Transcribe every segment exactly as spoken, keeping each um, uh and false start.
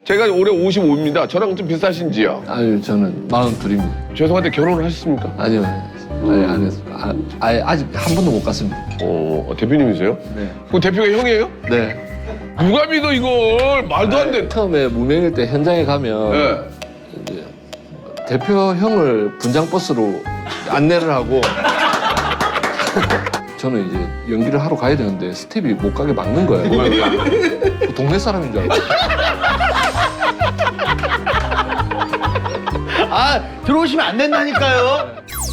제가 올해 오십오입니다. 저랑 좀 비슷하신지요? 아유, 저는 마흔둘입니다. 죄송한데 결혼을 하셨습니까? 아니요, 아니, 안 했어요. 아, 아예 아직 한 번도 못 갔습니다. 어, 대표님이세요? 네. 그 대표가 형이에요? 네. 누가 믿어 이걸? 말도 안 돼. 처음에 무명일 때 현장에 가면 네. 이제 대표 형을 분장 버스로 안내를 하고 저는 이제 연기를 하러 가야 되는데 스텝이 못 가게 막는 거예요. 그 동네 사람인 줄 알고. 아, 들어오시면 안 된다니까요.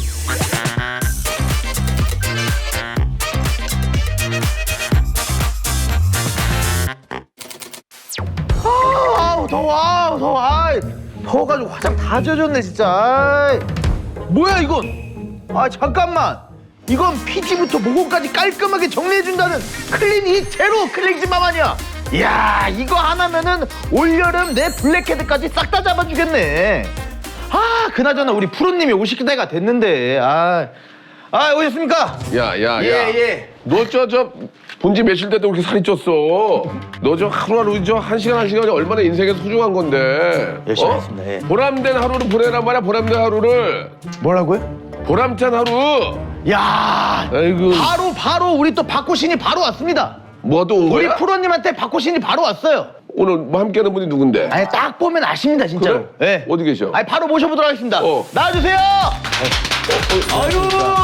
아우, 더워, 아우, 더워. 아이, 더워가지고 화장 다 젖었네, 진짜. 아이. 뭐야, 이건? 아, 잠깐만. 이건 피지부터 모공까지 깔끔하게 정리해준다는 클리닉 제로 클렌징맘 아니야? 이야, 이거 하나면은 올여름 내 블랙헤드까지 싹 다 잡아주겠네. 아, 그나저나 우리 프로님이 오실 때가 됐는데. 아, 아 오셨습니까? 야, 야, 예, 야. 예. 너 저 저 본지 며칠 때도 그렇게 살이 쪘어. 너 저 하루하루 저 한 시간 한 시간이 얼마나 인생에 소중한 건데. 열심히 하겠습니다, 예. 보람된 하루를 보내란 말이야. 보람된 하루를. 뭐라고요? 보람찬 하루. 야, 아이고. 바로 바로 우리 또 박호신이 바로 왔습니다. 뭐가 또 온 우리 거야? 프로님한테 박호신이 바로 왔어요. 오늘 뭐 함께하는 분이 누군데? 아니, 딱 보면 아십니다, 진짜로. 그래? 예. 어디 계셔? 아니, 바로 모셔보도록 하겠습니다. 어. 나와주세요. 아유.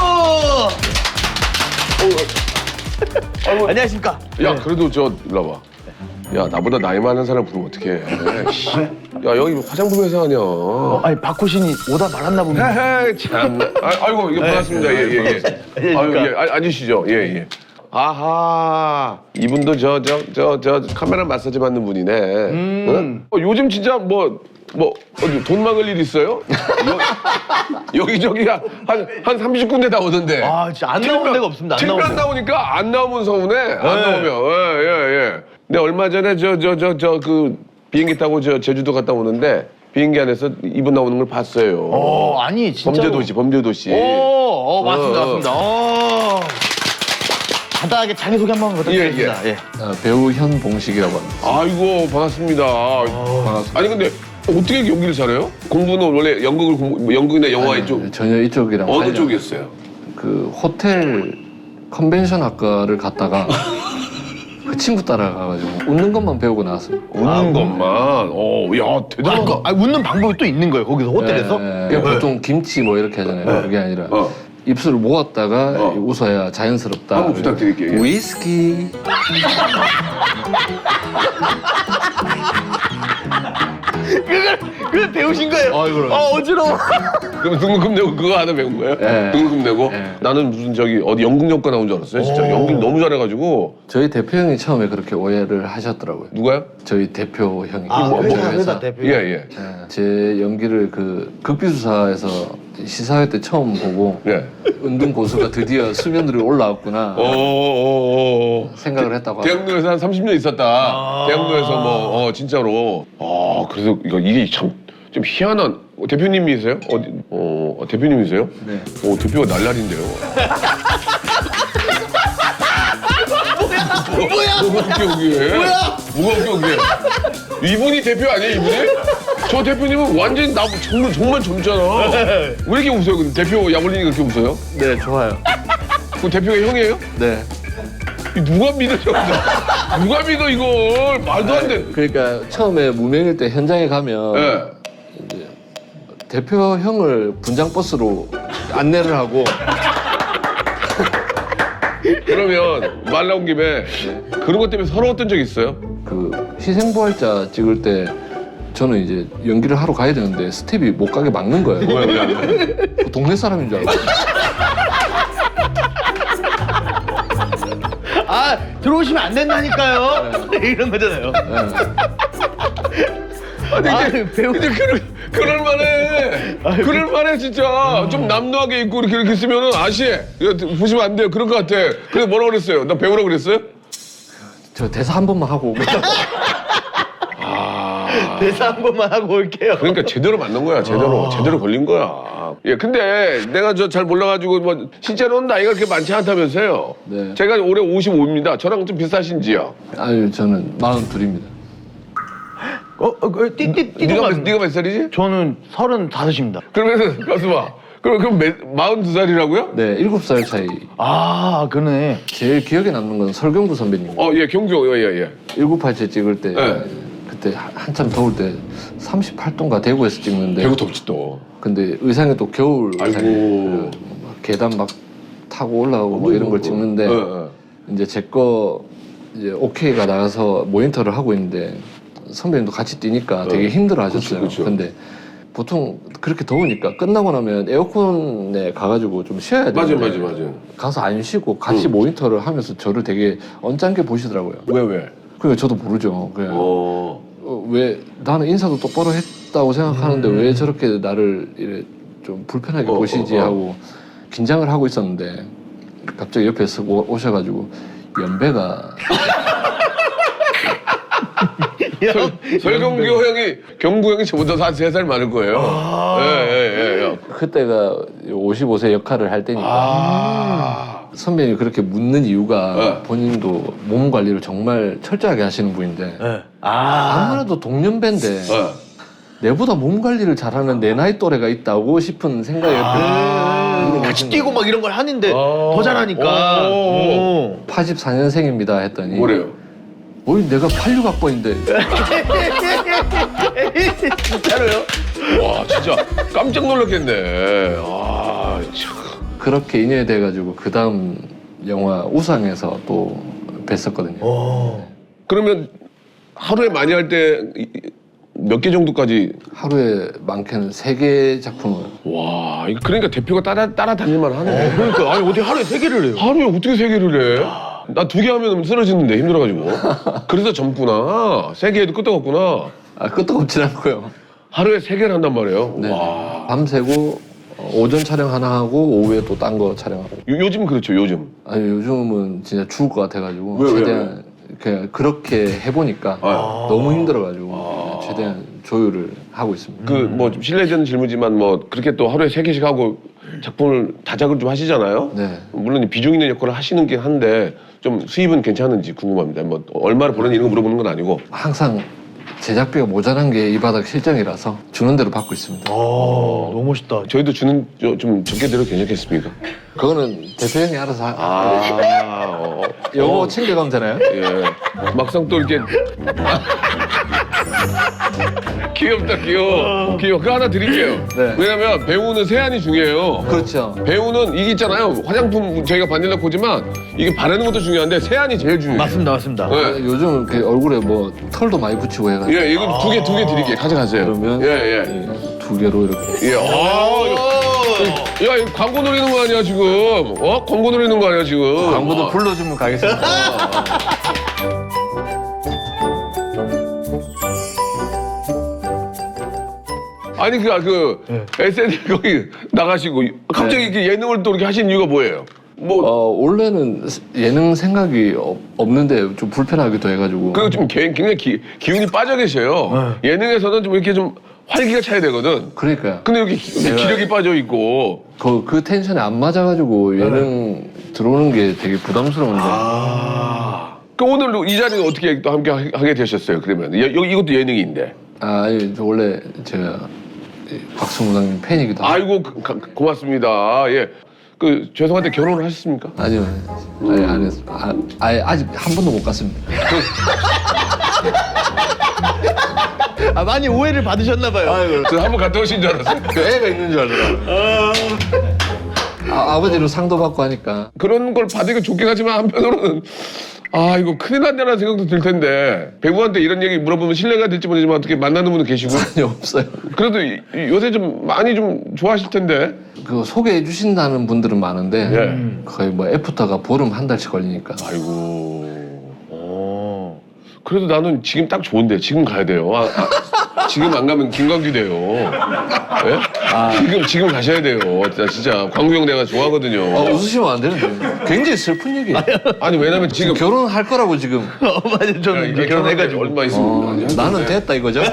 아이고. 안녕하십니까? 야, 그래도 저 일로 와봐. 야, 나보다 나이 많은 사람 부르면 어떡해. 씨. 야, 여기 화장품 회사 아니야. 어, 아니, 박호신이 오다 말았나 봅니다. 헤헤, 참. 아, 아이고, 이게 반갑습니다. 예, 예, 예. 아유, 예, 아, 앉으시죠. 예, 예. 아하, 이분도 저, 저, 저, 저 카메라 마사지 받는 분이네. 응? 어, 요즘 진짜 뭐, 뭐, 어디 돈 막을 일 있어요? 여, 여기저기 한, 한 삼십 군데 다 오던데. 아, 진짜 안 나오는 데가 없습니다. 안 칠면 나오는 데가. 나오니까 안 나오면 서운해. 안 네. 나오면. 예, 예, 예. 근데 얼마 전에 저, 저, 저, 저, 그 비행기 타고 저 제주도 갔다 오는데 비행기 안에서 이분 나오는 걸 봤어요. 어, 아니, 진짜. 범죄도시, 범죄도시. 오, 어, 맞습니다, 어, 어. 맞습니다. 어. 간단하게 자기소개 한번 부탁드리겠습니다. 예, 아, 배우 현봉식이라고 합니다. 아이고, 반갑습니다. 반갑습니다. 아니, 근데 어떻게 연기를 잘해요? 공부는 원래 연극을 공부, 뭐 연극이나 영화 이쪽. 전혀 이쪽이랑 어느 관련- 쪽이었어요? 그 호텔 컨벤션 학과를 갔다가 그 친구 따라가가지고 웃는 것만 배우고 나왔어요. 웃는 것만. 어, 야, 대단하다. 아, 웃는 방법이 또 있는 거예요, 거기서 호텔에서? 예, 예. 보통 김치 뭐 이렇게 하잖아요. 그게 아니라 어. 입술을 모았다가 어. 웃어야 자연스럽다. 한번 부탁드릴게요. 예. 위스키. 그걸, 그걸 배우신 거예요? 아, 이거를. 아, 어지러워. 그럼 등록금 내고 그거 하나 배운 거예요? 네. 등록금 내고? 네. 나는 무슨 저기 어디 연극영과 나온 줄 알았어요. 진짜 연기 너무 잘해가지고. 저희 대표 형이 처음에 그렇게 오해를 하셨더라고요. 누가요? 저희 대표 형이. 아, 뭐, 회사, 뭐 회사 대표. 예, 예. 예, 제 연기를 그 극비수사에서 시사회 때 처음 보고 예. 은둔 고수가 드디어 수면 위로 올라왔구나 어어어어. 생각을 했다고 하더라고요. 대학로에서 한 삼십 년 있었다. 아. 대학로에서 뭐, 어, 진짜로. 아, 그래서 이거 이게 참 좀 희한한. 어, 대표님이세요? 어디, 어, 어, 대표님이세요? 네. 오, 대표가 날라리인데요. 뭐야? 뭐가 웃겨, 그게? 뭐야? 뭐가 웃겨, 그게? 이분이 대표 아니에요, 이분이? 저 대표님은 완전히 나 정말, 정말 젊잖아. 왜 이렇게 웃어요? 근데 대표 야골린이 그렇게 웃어요? 네, 좋아요. 그 대표가 형이에요? 네. 이 누가 믿어, 저거? 누가 믿어, 이걸? 말도 안 돼. 그러니까 처음에 무명일 때 현장에 가면 예. 이제 대표 형을 분장 버스로 안내를 하고 그러면 말 나온 김에 그런 것 때문에 서러웠던 적 있어요? 그 희생부활자 찍을 때 저는 이제 연기를 하러 가야 되는데 스텝이 못 가게 막는 거예요. 왜, 왜, 왜? 그 동네 사람인 줄 알고. 아, 들어오시면 안 된다니까요. 이런 거잖아요. 아니, 아, 근데, 배우. 근데 그럴, 그럴만해. 그럴만해, 진짜. 좀 남루하게 입고 이렇게, 이렇게 쓰면은, 아씨, 이거 보시면 안 돼요. 그럴 것 같아. 그래서 뭐라 그랬어요? 나 배우라고 그랬어요? 저 대사 한 번만 하고 오겠다고. 아. 대사 한 번만 하고 올게요. 그러니까 제대로 맞는 거야, 제대로. 제대로 걸린 거야. 예, 근데 내가 저 잘 몰라가지고, 뭐, 실제로는 나이가 그렇게 많지 않다면서요? 네. 제가 올해 오십오입니다. 저랑 좀 비슷하신지요? 아유, 저는 마흔둘입니다. 어, 어, 그, 띠띠, 띠. 네가 몇, 네가 몇 살이지? 저는 서른다섯입니다. 그러면은 가수 봐. 그럼 그럼 몇, 마흔두 살이라고요? 네, 일곱 살 차이. 아, 그러네. 제일 기억에 남는 건 설경구 선배님. 어, 예, 경주, 예, 예, 예. 일곱팔째 찍을 때 네. 그때 한- 한참 더울 때 삼십팔 도인가 대구에서 찍는데 배구 덥지 또. 근데 의상이 또 겨울 아이고. 의상이에요. 막 계단 막 타고 올라오고 뭐 이런 걸 찍는데 예, 예. 이제 제 거 이제 오케이가 나가서 모니터를 하고 있는데 선배님도 같이 뛰니까 되게 어. 힘들어 하셨어요. 그쵸, 그쵸. 근데 보통 그렇게 더우니까 끝나고 나면 에어컨에 가가지고 좀 쉬어야 맞아, 되는데 맞아, 맞아. 가서 안 쉬고 같이 모니터를 하면서 저를 되게 언짢게 보시더라고요. 왜, 왜? 그러니까 저도 모르죠. 그냥 어. 어, 왜 나는 인사도 똑바로 했다고 생각하는데 왜 저렇게 나를 이래 좀 불편하게 어, 보시지 어, 어. 하고 긴장을 하고 있었는데 갑자기 옆에 서 오셔가지고 연배가 설, 설경구 형이, 경구 형이 저보다 한 세 살 많을 거예요. 예, 예, 예, 예. 그때가 오십오 세 역할을 할 때니까 아. 선배님이 그렇게 묻는 이유가 네. 본인도 몸 관리를 정말 철저하게 하시는 분인데 네. 아, 아무래도 동년배인데 예. 내보다 몸 관리를 잘하는 내 나이 또래가 있다고 싶은 생각이 아, 같이 뛰고 막 이런 걸 하는데 어. 더 잘하니까. 오. 오. 팔십사 년생입니다 했더니 뭐래요? 어이 내가 팔십육 학번인데 진짜로요? 와, 진짜 깜짝 놀랐겠네. 아, 참. 그렇게 인연이 돼가지고 그 다음 영화 우상에서 또 뵀었거든요. 오. 그러면 하루에 많이 할 때 몇 개 정도까지? 하루에 많게는 세 개 작품을 와, 이거 그러니까 대표가 따라 따라다닐만 하네. 그러니까 아니 어디 하루에 세 개를 해요? 하루에 어떻게 세 개를 해? 나 두 개 하면 쓰러지는데 힘들어가지고. 그래서 젊구나. 세 개 해도 끄떡없구나. 아 끄떡없진 않고요. 하루에 세 개를 한단 말이에요. 네. 와. 밤새고 어, 오전 촬영 하나 하고 오후에 또 딴 거 촬영하고. 요, 요즘 그렇죠, 요즘. 아니 요즘은 진짜 죽을 것 같아가지고 왜, 왜, 최대한 그냥 그렇게 해보니까 아. 너무 힘들어가지고 아. 최대한 조율을 하고 있습니다. 그 뭐 실례되는 질문이지만 뭐 그렇게 또 하루에 세 개씩 하고 작품을 다작을 좀 하시잖아요. 네. 물론 비중 있는 역할을 하시는 게 한데 좀 수입은 괜찮은지 궁금합니다. 뭐 얼마를 버는지 이런 거 물어보는 건 아니고. 항상 제작비가 모자란 게 이 바닥 실정이라서 주는 대로 받고 있습니다. 아, 너무 멋있다. 저희도 주는 저- 좀 적게 드려도 괜찮겠습니까? 그거는 대표 형이 알아서 하... 아, 어, 요거 어, 챙겨가면 되나요? 예. 막상 또 이렇게 귀엽다, 귀여워. 귀여워. 그거 하나 드릴게요. 네. 왜냐면 배우는 세안이 중요해요. 그렇죠. 배우는 이게 있잖아요. 화장품 저희가 바닐라 코지만 이게 바르는 것도 중요한데 세안이 제일 중요해요. 맞습니다, 맞습니다. 네. 요즘 그 얼굴에 뭐 털도 많이 붙이고 해가지고 예, 이거 두 개, 두 개 드릴게요. 가져가세요. 그러면 예, 예. 예, 두 개로 이렇게 예. 아, 이거- 야, 이거 광고 노리는 거 아니야, 지금? 어? 광고 노리는 거 아니야, 지금? 광고도 불러주면 가겠습니다. 아니, 그, 그, 에스엔엘 거기 나가시고, 갑자기 이렇게 예능을 또 이렇게 하신 이유가 뭐예요? 뭐, 어, 원래는 예능 생각이 없- 없는데 좀 불편하기도 해가지고 그리고 좀 개- 굉장히 기, 기운이 빠져 계셔요. 예능에서는 좀 이렇게 좀 활기가 차야 되거든. 그러니까요. 근데 이렇게 기- 내가- 기력이 빠져 있고. 그, 그 텐션에 안 맞아가지고 예능 들어오는 게 되게 부담스러운데 아. 그 오늘 이 자리는 어떻게 또 함께 하- 하게 되셨어요, 그러면? 여, 여, 이것도 예능인데. 아, 아니, 저 원래 제가 이 박수무당님 팬이기도 하고 아이고, 그- 가- 고맙습니다. 예. 그, 죄송한데 결혼을 하셨습니까? 아니요, 아니 안 했어. 아, 아예 아직 한 번도 못 갔습니다. 아, 많이 오해를 받으셨나봐요. 저 한번 갔다 오신 줄 알았어요. 그 애가 있는 줄 알더라. 아, 아버지로 상도 받고 하니까 그런 걸 받으니까 좋긴 하지만 한편으로는 아 이거 큰일 났냐는 생각도 들 텐데 배우한테 이런 얘기 물어보면 신뢰가 될지 모르지만 어떻게 만나는 분은 계시고 아니 없어요. 그래도 이- 이 요새 좀 많이 좀 좋아하실 텐데 그 소개해 주신다는 분들은 많은데 예. 거의 뭐 애프터가 보름 한 달씩 걸리니까. 아이고 그래도 나는 지금 딱 좋은데 지금 가야 돼요. 아, 아, 지금 안 가면 김광규 돼요. 예? 지금 지금 가셔야 돼요. 진짜, 진짜 광규 형 내가 좋아하거든요. 아, 웃으시면 안 되는데. 굉장히 슬픈 얘기예요. 아니 왜냐면 지금 결혼할 거라고 지금. 어, 맞아요. 야, 저는 이게 이제 결혼해가지고. 얼마 있으면 어, 아니, 나는 됐다 이거죠?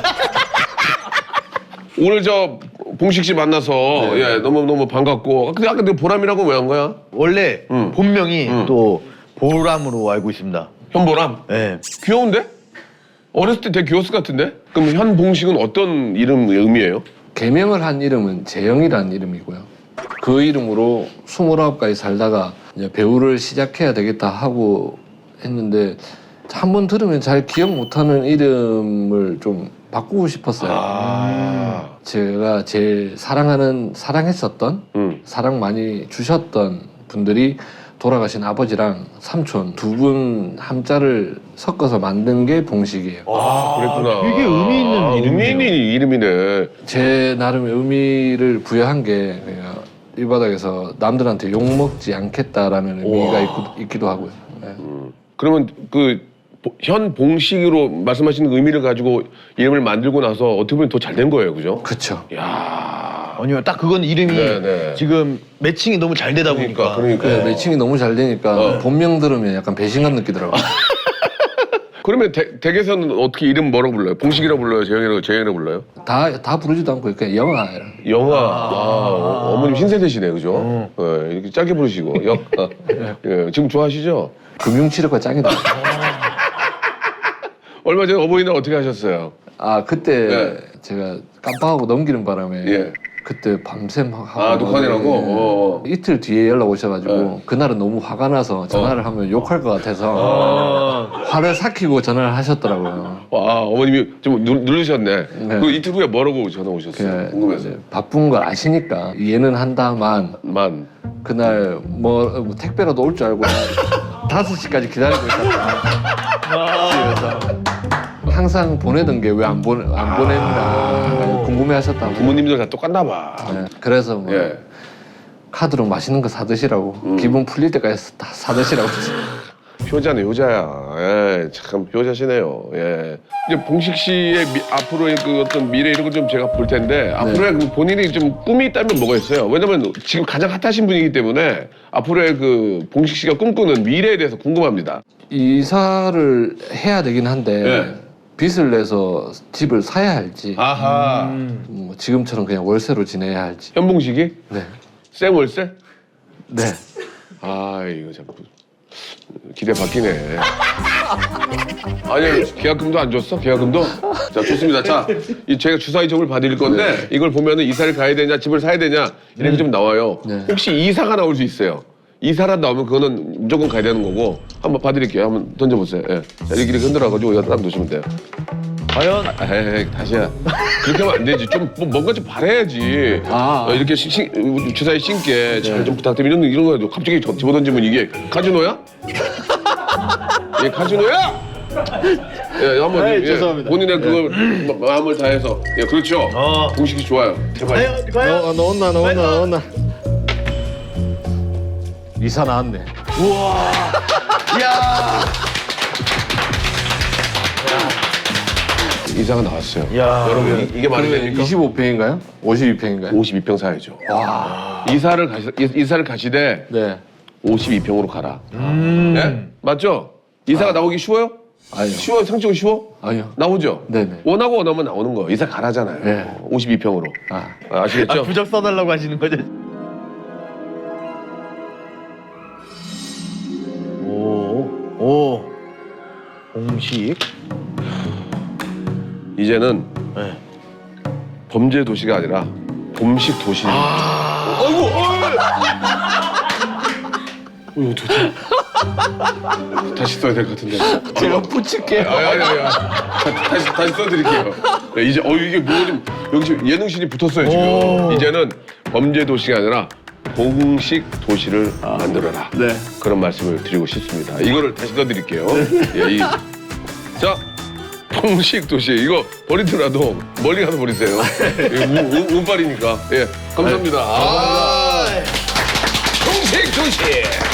오늘 저 봉식 씨 만나서 예 너무 너무 반갑고 근데 아까 내 보람이라고 왜 한 거야? 원래 응. 본명이 응. 또 보람으로 알고 있습니다. 현보람 예. 귀여운데? 어렸을 때 되게 귀여웠을 것 같은데? 그럼 현봉식은 어떤 이름 의미예요? 개명을 한 이름은 재영이라는 이름이고요. 그 이름으로 스물아홉까지 살다가 이제 배우를 시작해야 되겠다 하고 했는데 한 번 들으면 잘 기억 못하는 이름을 좀 바꾸고 싶었어요. 아. 제가 제일 사랑하는, 사랑했었던, 음. 사랑 많이 주셨던 분들이 돌아가신 아버지랑 삼촌 두 분 함자를 섞어서 만든 게 봉식이에요. 아, 그랬구나. 되게 의미 있는 아, 이름이네요. 의미 있는 이름이네. 제 나름의 의미를 부여한 게 그냥 이 바닥에서 남들한테 욕먹지 않겠다라는 의미가 있고, 있기도 하고요. 네. 그러면 그 현봉식으로 말씀하시는 그 의미를 가지고 이름을 만들고 나서 어떻게 보면 더 잘 된 거예요, 그죠? 그쵸. 야. 아니요, 딱 그건 이름이 네, 네. 지금 매칭이 너무 잘 되다 보니까. 그러니까, 그러니까. 그 매칭이 너무 잘 되니까 어. 본명 들으면 약간 배신감 느끼더라고요. 그러면 댁, 댁에서는 어떻게 이름 뭐라고 불러요? 봉식이라고 불러요? 재영이라고, 재영이라고 불러요? 다, 다 부르지도 않고 그냥 영아. 영아. 아, 어, 어머님 신세대시네, 그죠? 어. 네, 이렇게 짧게 부르시고. 영, 아, 예, 지금 좋아하시죠? 금융치료가 짱이다. 얼마 전에 어버이날 어떻게 하셨어요? 아 그때 네. 제가 깜빡하고 넘기는 바람에 예. 그때 밤샘 하고 아, 녹화내라고? 예. 어. 이틀 뒤에 연락 오셔가지고 네. 그날은 너무 화가 나서 전화를 하면 욕할 것 같아서 어. 화를 삭히고 전화를 하셨더라고요. 와, 어머님이 좀 누, 누르셨네. 네. 그 이틀 후에 뭐라고 전화 오셨어요? 그냥 궁금해서. 이제 바쁜 걸 아시니까 이해는 한다만 만. 그날 뭐, 뭐 택배라도 올 줄 알고 다섯 시까지 기다리고 있었다. 그래서 항상 보내던 게 왜 안 보내 안 보냈나 궁금해하셨다고. 부모님들 다 똑같나 봐. 네, 그래서 뭐 예. 카드로 맛있는 거 사드시라고 음. 기분 풀릴 때까지 다 사드시라고. 효자네, 효자야. 예, 참 효자시네요. 예. 이제 봉식 씨의 미, 앞으로의 그 어떤 미래 이런 걸 좀 제가 볼 텐데 앞으로의 그 본인이 좀 꿈이 있다면 뭐가 있어요? 왜냐면 지금 가장 핫하신 분이기 때문에 앞으로의 그 봉식 씨가 꿈꾸는 미래에 대해서 궁금합니다. 이사를 해야 되긴 한데 네. 빚을 내서 집을 사야 할지 아하. 뭐 지금처럼 그냥 월세로 지내야 할지. 현봉식이 네. 쌩월세? 네. 아 이거 참 기대 바뀌네. 아니 계약금도 안 줬어? 계약금도? 자 좋습니다. 자, 이 제가 주사 이적을 받을 건데 이걸 보면은 이사를 가야 되냐 집을 사야 되냐 이런 게 좀 나와요. 네. 혹시 이사가 나올 수 있어요. 이사라도 나오면 그거는 무조건 가야 되는 거고 한번 봐드릴게요. 한번 던져보세요. 예. 자, 이렇게 이렇게 흔들어가지고 여기다 딱 놓으시면 돼요. 과연 아, 에이, 다시야. 그렇게 하면 안 되지. 좀 뭐, 뭔가 좀 바래야지. 아. 어, 이렇게 신, 신, 주사위 신께 잘 좀 부탁드리면 이런, 이런 거 갑자기 저- 집어던지면 이게 카지노야? 예, 카지노야? 예, 한번 에이, 예, 죄송합니다. 본인의 그걸 마- 마음을 다해서 예, 그렇죠. 어. 공식이 좋아요. 제발. 과연 과연 넣었나 넣었나 넣었나. 이사 나왔네. 우와. 이야. 이사가 나왔어요. 야. 여러분 이- 이게 말이 됩니까? 이십오 평인가요? 오십이 평인가요? 오십이 평 사야죠. 이사를 가시 이- 이사를 가시되 네. 오십이 평으로 가라. 음. 예? 맞죠? 이사가 나오기 쉬워요? 아니요. 쉬워요? 상식은 쉬워? 아니요. 나오죠? 네네. 원하고 원하면 나오는 거. 이사 가라잖아요. 네. 오십이 평으로. 아. 아, 아시겠죠? 아, 부적 써달라고 하시는 거죠? 오. 오. 공식. 이제는 네. 범죄 도시가 아니라 범식 도시. 아. 어이구. 어이. 도대체. 다시 써야 될 것 같은데. 제가 붙일게요. 아니 아니 아니. 다- 다시 다시 써드릴게요. 네, 이제 어 이게 뭐 좀 여기 지금 예능신이 붙었어요 지금. 오. 이제는 범죄 도시가 아니라 공식 도시를 만들어라. 네. 그런 말씀을 드리고 싶습니다. 이거를 다시 써드릴게요. 예, 이, 자, 공식 도시 이거 버리더라도 멀리 가서 버리세요. 예, 운- 운- 운빨이니까. 예, 감사합니다. 아, 공식 도시.